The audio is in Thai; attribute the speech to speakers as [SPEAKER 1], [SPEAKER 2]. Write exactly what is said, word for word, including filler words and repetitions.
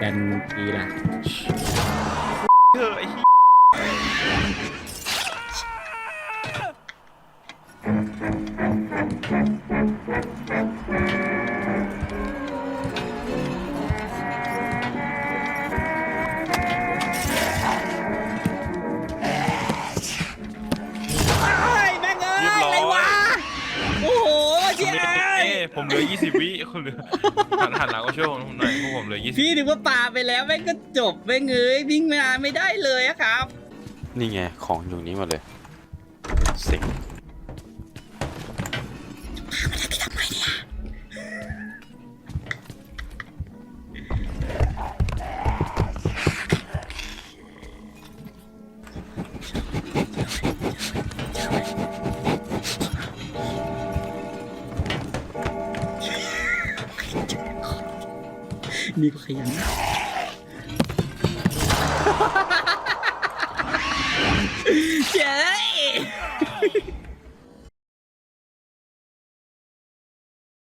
[SPEAKER 1] นทีล่ะ
[SPEAKER 2] เออไอ้
[SPEAKER 1] แม่งเอ้ยอะไรวะโอ้โหเชี่ย
[SPEAKER 2] ผมเหลือยี่สิบวิคุณเหลือหันหันหลังก็ช่วยผมหน่อยพวกผมเหลือยี่สิบ
[SPEAKER 1] พี่นึกว่าปาไปแล้วแม่งก็จบแม่งเอ้ยวิ่งมาไม่ได้เลยอะครับ
[SPEAKER 3] นี่ไงของอยู่นี้หมดเลยสิง
[SPEAKER 1] ทำไมเนี่ยนี่ก็ขยันเจ๊